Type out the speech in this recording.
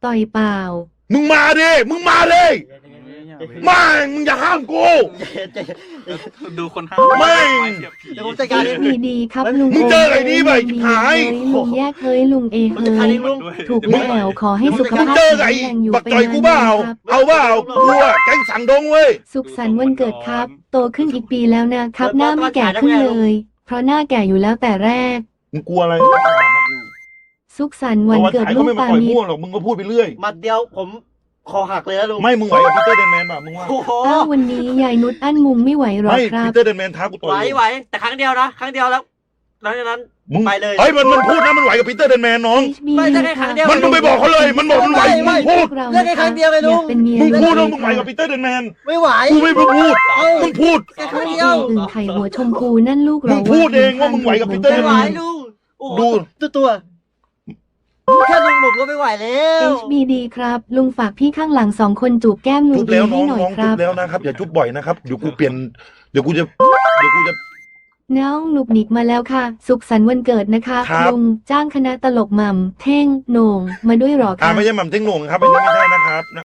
ต่อยเปล่ามึงมาดิมึงมาเลยมามึงอย่าห้ามกูดูคนห้าไม่เดี๋ยวผมจัดการเองดีครับลุงมึงเจอไอ้นี่ไปชิบหายเฮ้ลุงแยกเฮ้ยลุงเอผมจัดการเองลุงถูกแล้วขอให้สุขมึงภาพเจอแข็ไอ้งแรงอยู่บักเป็นจ่อยกูเปล่าครับเอาเปล่ากูอะแก๊งสั่งดงเว้ยสุขสันต์วันเกิดครับ โตขึ้นอีกปีแล้วนะครับ หน้าไม่แก่ขึ้นเลย เพราะหน้าแก่อยู่แล้วแต่แรกมึงกลัวอะไรสุขสันต์วันเกิดฉายลูก็กไม่มาปาต่อยนิมั่วดหรอกมึงก็พูดไปเรื่อยหมัดเดียวผมคอหักเลยนะลุงไม่มึงไหวกับพีเตอร์เดนแมนป่ะมึงว่าโอ้โหอ้าววันนี้ยายนุชอั้นมุงไม่ไหวหรอไม่ครัพีบเตอร์เดนแมนท้ากูต่อยไหวแต่ครั้งเดียวนะครั้งเดียวแล้วหลังจากนั้นมึงไปเลยเฮ้ยมันพูดนะมันไหวกับพีเตอร์เดนแมนน้อง HB ไม่ได้แค่ครั้งเดียวมันมึงไปบอกเขาเลย มันบอกมันไหวมึงพูดเรื่องแค่ครั้งเดียวไงลุงเป็นเมียมึงพูดเลว่าย มึงไหวกับพีเตอร์เดนแมนไม่ไหวกูไม่พูดเอ้ามึงพูดแค่ครั้งเดียวอึ่งไข่หัวชมพูนั่นลูกมึเรางพูดเองว่ามึงไหวกับพีเตอร์ไม่เดนไหวแมนลุงโอ้โหดูตัวแค่ลุงผมก็ไม่ไหวแล้ว HBD ครับ ลุงฝากพี่ข้างหลัง2 คนจูบแก้มลุจุงบแล้วน้ให้องหน่อยน้องคจุรับบ แล้วนะครับอย่าจุบบ่อยนะครับเดี๋ยวกูเปลี่ยนเดี๋ยวกูจะน้องหนุกหนิกมาแล้วค่ะ สุขสันต์วันเกิดนะคะครับลุงจ้างคณะตลกหม่ำเท่งโหน่งมาด้วยหรอคะไม่ใช่หม่ำเท่งโหน่งครับอันนี้ไม่ใช่นะครับ